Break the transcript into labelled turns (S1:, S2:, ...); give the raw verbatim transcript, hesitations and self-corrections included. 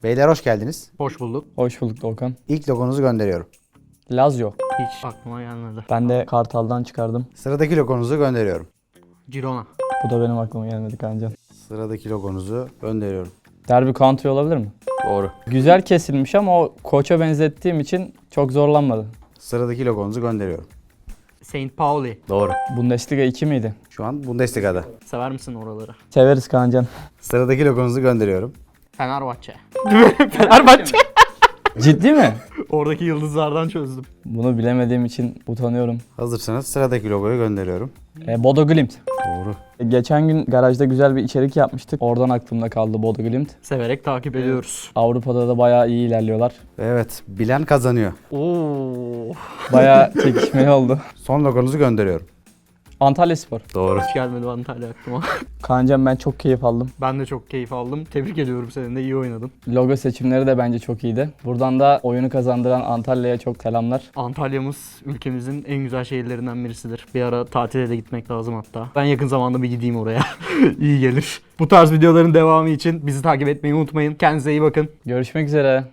S1: Beyler hoş geldiniz.
S2: Hoş bulduk.
S3: Hoş bulduk Doğukan.
S1: İlk logonuzu gönderiyorum.
S3: Lazio.
S2: Hiç aklıma gelmedi.
S3: Ben de Kartal'dan çıkardım.
S1: Sıradaki logonuzu gönderiyorum.
S2: Girona.
S3: Bu da benim aklıma gelmedi Kaancan.
S1: Sıradaki logonuzu gönderiyorum.
S3: Derby Country olabilir mi?
S1: Doğru.
S3: Güzel kesilmiş ama o koça benzettiğim için çok zorlanmadı.
S1: Sıradaki logonuzu gönderiyorum.
S2: Saint Pauli.
S1: Doğru.
S3: Bundesliga iki miydi?
S1: Şu an Bundesliga'da.
S2: Sever misin oraları?
S3: Severiz Kaancan.
S1: Sıradaki logonuzu gönderiyorum.
S2: Fenerbahçe. Fenerbahçe.
S3: Ciddi mi?
S2: Oradaki yıldızlardan çözdüm.
S3: Bunu bilemediğim için utanıyorum.
S1: Hazırsanız sıradaki logoyu gönderiyorum.
S3: E, Bodo Glimt.
S1: Doğru.
S3: E, geçen gün garajda güzel bir içerik yapmıştık. Oradan aklımda kaldı Bodo Glimt.
S2: Severek takip ediyoruz.
S3: Avrupa'da da bayağı iyi ilerliyorlar.
S1: Evet, bilen kazanıyor.
S2: Oo.
S3: Bayağı çekişmeli oldu.
S1: Son logonuzu gönderiyorum.
S3: Antalyaspor.
S1: Doğru.
S2: Hiç gelmedi Antalya aklıma.
S3: Kaancan ben çok keyif aldım.
S2: Ben de çok keyif aldım. Tebrik ediyorum, senin de iyi oynadın.
S3: Logo seçimleri de bence çok iyiydi. Buradan da oyunu kazandıran Antalya'ya çok selamlar.
S2: Antalya'mız ülkemizin en güzel şehirlerinden birisidir. Bir ara tatile de gitmek lazım hatta. Ben yakın zamanda bir gideyim oraya. İyi gelir. Bu tarz videoların devamı için bizi takip etmeyi unutmayın. Kendinize iyi bakın.
S3: Görüşmek üzere.